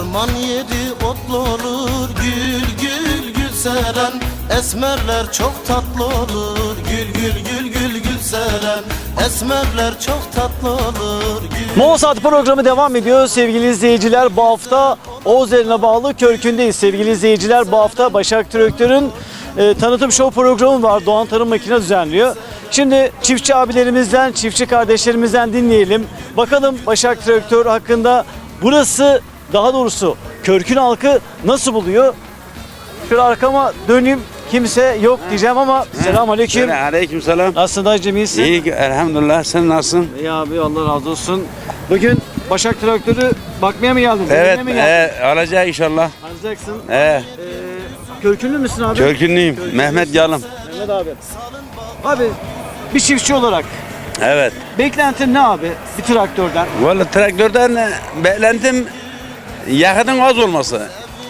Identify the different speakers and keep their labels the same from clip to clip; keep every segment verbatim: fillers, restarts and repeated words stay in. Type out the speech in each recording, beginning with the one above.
Speaker 1: Harman yeri otlu olur, gül gül gül seren. Esmerler çok tatlı olur, gül gül gül gül gül seren. Esmerler çok tatlı olur, gül.
Speaker 2: Moğol Saati programı devam ediyor sevgili izleyiciler. Bu hafta Oğuzeli'ne bağlı Körkün'deyiz sevgili izleyiciler. Bu hafta Başak Traktör'ün e, tanıtım show programı var. Doğan Tarım Makine düzenliyor. Şimdi çiftçi abilerimizden, çiftçi kardeşlerimizden dinleyelim. Bakalım Başak Traktör hakkında burası, daha doğrusu Körkün halkı nasıl buluyor? Şöyle arkama döneyim. Kimse yok diyeceğim ama selamünaleyküm.
Speaker 3: Aleykümselam.
Speaker 2: Nasılsın dayıcım, iyisin?
Speaker 3: İyi elhamdülillah. Sen nasılsın?
Speaker 2: İyi abi, Allah razı olsun. Bugün Başak Traktörü bakmaya mı geldin?
Speaker 3: Evet,
Speaker 2: Denemeye mi geldin?
Speaker 3: e, alacağız inşallah.
Speaker 2: Alacaksın.
Speaker 3: E,
Speaker 2: Ee, Körkünlü müsün abi?
Speaker 3: Körkünlüyüm.
Speaker 2: Körkünlüsün.
Speaker 3: Mehmet Yalım.
Speaker 2: Mehmet abi. Abi bir çiftçi olarak
Speaker 3: Evet.
Speaker 2: beklentin ne abi bir traktörden?
Speaker 3: Vallahi traktörden e, beklentim yakıtın az olması.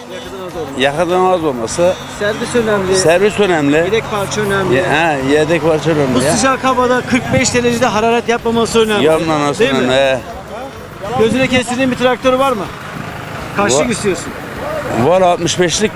Speaker 3: Yakıtın az olması.
Speaker 2: Servis önemli.
Speaker 3: Servis önemli.
Speaker 2: Yedek parça önemli.
Speaker 3: Ye, ha, yedek parça
Speaker 2: Bu
Speaker 3: önemli ya.
Speaker 2: sıcak havada kırk beş derecede hararet yapmaması önemli.
Speaker 3: Yanmaması
Speaker 2: Değil
Speaker 3: önemli.
Speaker 2: mi?
Speaker 3: E,
Speaker 2: Gözüne kestirdiğin bir traktörü var mı? Kaçlık
Speaker 3: Var.
Speaker 2: istiyorsun?
Speaker 3: var altmış beşlik.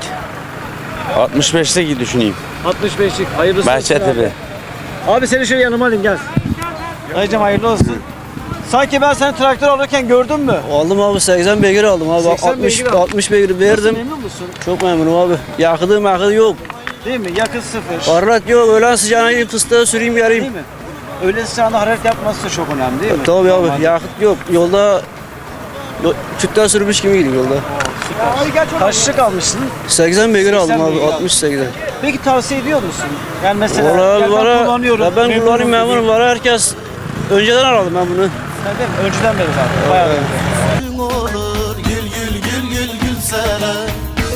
Speaker 3: altmış beşlik düşüneyim.
Speaker 2: altmış beşlik. Hayırlısı olsun
Speaker 3: Bahçetepe.
Speaker 2: abi. Abi seni şöyle yanıma alayım, gel. Dayıcım hayırlı olsun. Sanki ben seni traktör alırken gördün mü?
Speaker 4: Aldım abi, seksen beygir aldım abi.
Speaker 2: seksen
Speaker 4: altmış
Speaker 2: beygir aldın.
Speaker 4: altmış beygir
Speaker 2: Nasıl,
Speaker 4: verdim.
Speaker 2: memnun musun?
Speaker 4: Çok memnunum abi. Yakıdı makıdı yok.
Speaker 2: Değil mi? Yakıt sıfır.
Speaker 4: Hararet yok. Öğlen sıcağına gidip fıstığı süreyim
Speaker 2: Değil
Speaker 4: yarayım.
Speaker 2: mi? Öyle sıcağında hararet yapması da çok önemli değil mi?
Speaker 4: Tabii
Speaker 2: Normalde.
Speaker 4: abi, yakıt yok. Yolda yo- tütten sürmüş gibi gidiyor yolda.
Speaker 2: Kaçlık almışsın?
Speaker 4: seksen beygir aldım
Speaker 2: seksen
Speaker 4: abi.
Speaker 2: beygir
Speaker 4: altmış seksen.
Speaker 2: Peki tavsiye ediyor musun? Yani mesela
Speaker 4: Valla
Speaker 2: ya ben
Speaker 4: valla
Speaker 2: kullanıyorum.
Speaker 4: ya ben
Speaker 2: memnunum
Speaker 4: kullanayım
Speaker 2: dediğin-
Speaker 4: memnunum. Valla herkes önceden aradım ben bunu.
Speaker 2: Sen değil mi? Önceden beri zaten. Bayağı önce.
Speaker 1: Gün olur, gül gül gül gül gül seren.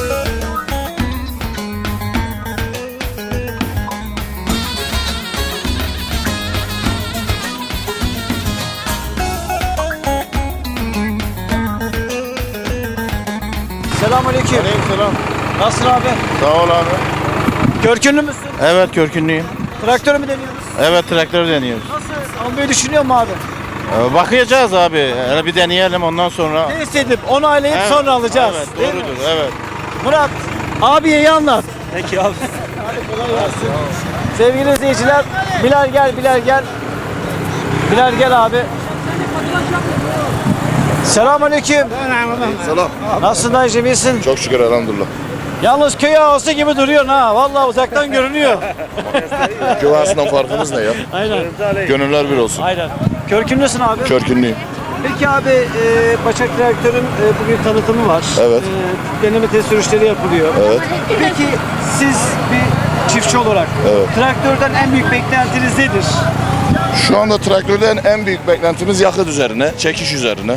Speaker 2: Selamünaleyküm.
Speaker 5: Aleykümselam.
Speaker 2: Nasılsın abi?
Speaker 5: Sağ ol abi.
Speaker 2: Körkünlü müsün?
Speaker 5: Evet, Körkünlüyüm.
Speaker 2: Traktörü mü deniyoruz?
Speaker 5: Evet, traktör deniyoruz.
Speaker 2: Nasıl? Almayı düşünüyor mu abi?
Speaker 5: Ee, bakacağız abi. Hele bir deneyelim, ondan sonra.
Speaker 2: Test edip onaylayıp
Speaker 5: Evet,
Speaker 2: sonra alacağız.
Speaker 5: Evet,
Speaker 2: değil mi?
Speaker 5: doğrudur. Evet.
Speaker 2: Murat, abiye iyi anlat.
Speaker 4: Peki abi.
Speaker 2: Sevgili izleyiciler, Bilal gel, Bilal gel. Bilal gel abi. Selamünaleyküm.
Speaker 6: Selam.
Speaker 2: Nasılsın dayıcım, iyisin?
Speaker 6: Çok şükür elhamdülillah.
Speaker 2: Yalnız köy ağası gibi duruyorsun ha. Vallahi uzaktan görünüyor.
Speaker 6: Köy ağasından farkımız ne ya?
Speaker 2: Aynen.
Speaker 6: Gönüller bir olsun.
Speaker 2: Aynen. Körkünlüsün abi.
Speaker 6: Körkünlüyüm.
Speaker 2: Peki abi, e, Başak Traktör'ün e, bugün tanıtımı var.
Speaker 6: Evet.
Speaker 2: E, deneme test sürüşleri yapılıyor.
Speaker 6: Evet.
Speaker 2: Peki siz bir çiftçi olarak
Speaker 6: Evet.
Speaker 2: traktörden en büyük beklentiniz nedir?
Speaker 6: Şu anda traktörden en büyük beklentimiz yakıt üzerine, çekiş üzerine.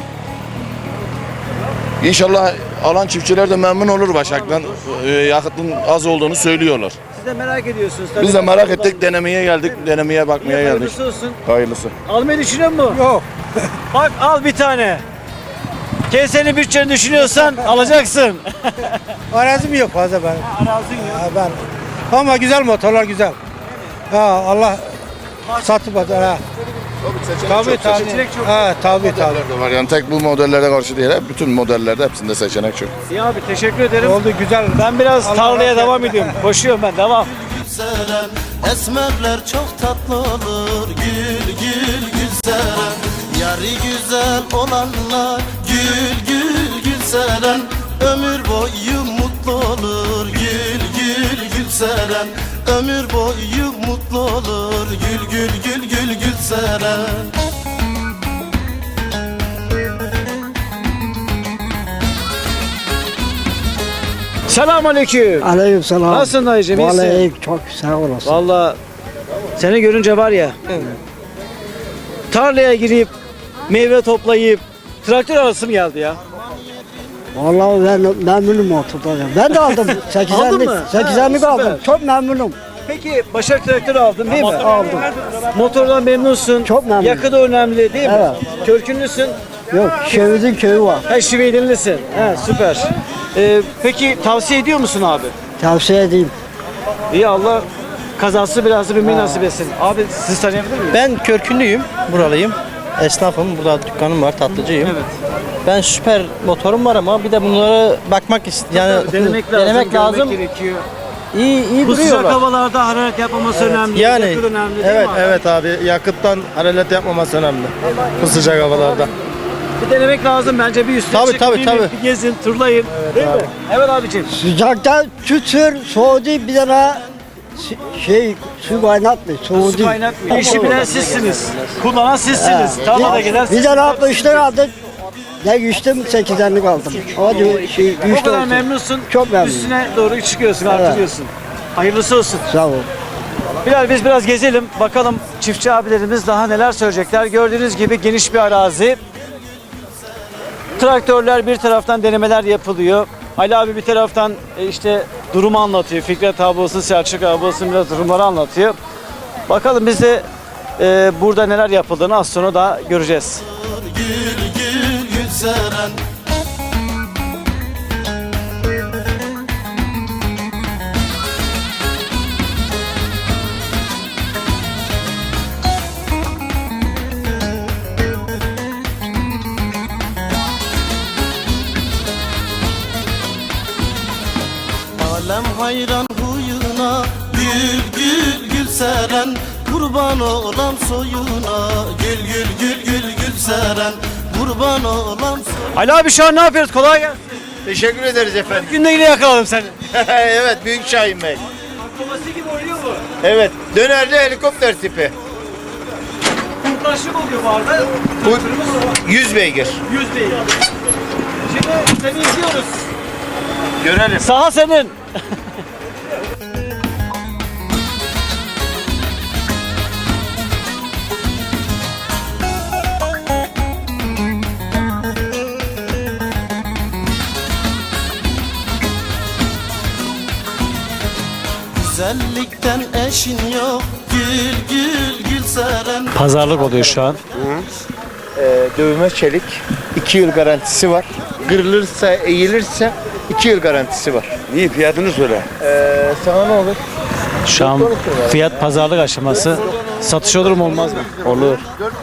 Speaker 6: İnşallah alan çiftçiler de memnun olur Başak'tan. Ee, yakıtın az olduğunu söylüyorlar.
Speaker 2: Siz de merak ediyorsunuz tabii.
Speaker 6: Biz de merak ettik, denemeye geldik, denemeye bakmaya geldik.
Speaker 2: Hayırlısı olsun.
Speaker 6: Hayırlısı.
Speaker 2: Almayı düşünüyor musun? Yok. Bak al bir tane. Kesenin bütçeni düşünüyorsan alacaksın.
Speaker 7: Arazim yok fazla benim.
Speaker 2: Arazin yok.
Speaker 7: Ha, ben. Ama güzel motorlar güzel. Ha Allah satıp atar ha. Tabii tabii.
Speaker 2: Seçenek çok.
Speaker 7: Ha tabii tabii.
Speaker 6: Modeller de var yani tek bu modellere karşı değil, hep bütün modellerde hepsinde seçenek çok.
Speaker 2: İyi abi, teşekkür ederim.
Speaker 7: Oldu güzel.
Speaker 2: Ben biraz
Speaker 7: Allah
Speaker 2: tarlaya
Speaker 7: razı
Speaker 2: devam
Speaker 7: olsun.
Speaker 2: ediyorum. Koşuyorum ben, devam.
Speaker 1: Gül seren. Esmerler çok tatlı olur, gül gül gül seren. Yarı güzel olanlar, gül gül gül seren. Ömür boyu mutlu olur, gül gül gül seren. Ömür boyu mutlu olur, gül gül gül gül gül seren.
Speaker 2: Selamünaleyküm.
Speaker 7: Aleykümselam.
Speaker 2: Nasılsın dayıcım, iyisin?
Speaker 7: Vallahi çok sağ olasın.
Speaker 2: Vallahi seni görünce var ya, tarlaya girip meyve toplayıp traktör arası mı geldi ya?
Speaker 7: Vallahi ben memnunum motordan. Ben de aldım.
Speaker 2: Aldın mı?
Speaker 7: seksenlik
Speaker 2: Ha,
Speaker 7: aldım.
Speaker 2: süper.
Speaker 7: Çok memnunum.
Speaker 2: Peki Başak traktörü aldın değil mi?
Speaker 7: Aldım.
Speaker 2: Motordan memnunsun.
Speaker 7: Çok memnunum.
Speaker 2: Yakıt önemli değil mi?
Speaker 7: Evet.
Speaker 2: Körkünlüsün.
Speaker 7: Yok, Şeviz'in köyü var.
Speaker 2: Ha, Şiveydinlisin. Ha, süper. Ee, peki tavsiye ediyor musun abi?
Speaker 7: Tavsiye edeyim.
Speaker 2: İyi, Allah kazası belası bilmeyi nasip etsin. Abi siz tanıyabilir miyim?
Speaker 8: Ben Körkünlüyüm, buralıyım. Esnafım, burada dükkanım var, tatlıcıyım.
Speaker 2: Evet.
Speaker 4: Ben süper motorum var ama bir de bunlara bakmak istiyorum. Yani
Speaker 2: Denemek lazım,
Speaker 4: denemek
Speaker 2: görmek
Speaker 4: lazım.
Speaker 2: gerekiyor.
Speaker 4: İyi iyi
Speaker 2: Bu sıcak
Speaker 4: duruyorlar.
Speaker 2: havalarda hararet yapmaması önemli.
Speaker 8: Yani
Speaker 2: yakıt önemli değil
Speaker 8: evet
Speaker 2: mi abi?
Speaker 8: evet abi yakıttan hararet yapmaması önemli bu sıcak havalarda.
Speaker 2: Bir denemek lazım bence bir üstüne
Speaker 8: Tabii,
Speaker 2: çıkın,
Speaker 8: tabii,
Speaker 2: değil mi?
Speaker 8: tabii.
Speaker 2: Bir gezin, turlayın. değil mi? Evet abicim.
Speaker 9: Sıcakta tütür, soğudu bir tane şey su kaynatmıyor, soğudu.
Speaker 2: Su kaynatmıyor. İşi bilen sizsiniz. Kullanan sizsiniz. Tarlada gelen
Speaker 9: Bir
Speaker 2: sizsiniz.
Speaker 9: tane yapmışlar aldık. Ya yüzden sekizdenlik aldım. Ama diyor şey
Speaker 2: O
Speaker 9: yüzde
Speaker 2: kadar
Speaker 9: olsun.
Speaker 2: memnunsun.
Speaker 9: Çok memnunum.
Speaker 2: Üstüne doğru çıkıyorsun, artırıyorsun. Hayırlısı olsun.
Speaker 9: Sağ ol.
Speaker 2: Bilal biz biraz gezelim. Bakalım çiftçi abilerimiz daha neler söyleyecekler. Gördüğünüz gibi geniş bir arazi. Traktörler bir taraftan denemeler yapılıyor. Ali abi bir taraftan e, işte durumu anlatıyor. Fikret abi olsun, Selçuk abi olsun biraz durumları anlatıyor. Bakalım biz de e, burada neler yapıldığını az sonra da göreceğiz.
Speaker 1: Gül gül gülseren Alem hayran huyuna Gül gül gülseren Kurban olam soyuna Gül gül gül gül gülseren Kurban olam soyuna
Speaker 2: Ali abi şu an ne yapıyoruz? Kolay gelsin.
Speaker 5: Teşekkür ederiz efendim.
Speaker 2: Günde yine yakaladım seni.
Speaker 5: Evet, Büyük Şahin Bey.
Speaker 2: Babası gibi oynuyor mu?
Speaker 5: Evet, dönerli helikopter tipi.
Speaker 2: Kurtlaşlık oluyor bu arada.
Speaker 5: Bu yüz beygir.
Speaker 2: Yüz değil. Şimdi seni izliyoruz.
Speaker 5: Görelim.
Speaker 2: Saha senin.
Speaker 1: Güzellikten eşin yok Gül gül gülseren
Speaker 2: Pazarlık oluyor şu an.
Speaker 10: Ee, dövme çelik iki yıl garantisi var. Kırılırsa, eğilirse iki yıl garantisi var.
Speaker 3: Niye fiyatını söyle.
Speaker 10: Ee, sana ne olur?
Speaker 2: Şu an fiyat pazarlık aşaması. Satış olur mu olmaz mı?
Speaker 10: Olur.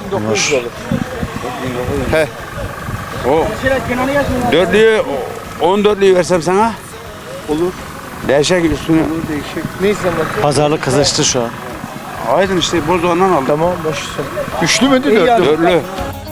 Speaker 3: O dörtlüğü, on dörtlüğü versem sana.
Speaker 10: Olur.
Speaker 3: Değişik üstüne.
Speaker 10: Değişik. Neyse bak.
Speaker 2: Pazarlık kızıştı şu an.
Speaker 3: Aydın işte Bozdoğan'dan aldım.
Speaker 10: Tamam başlasın. Üçlü müydü dörtlü?
Speaker 3: Dörtlü.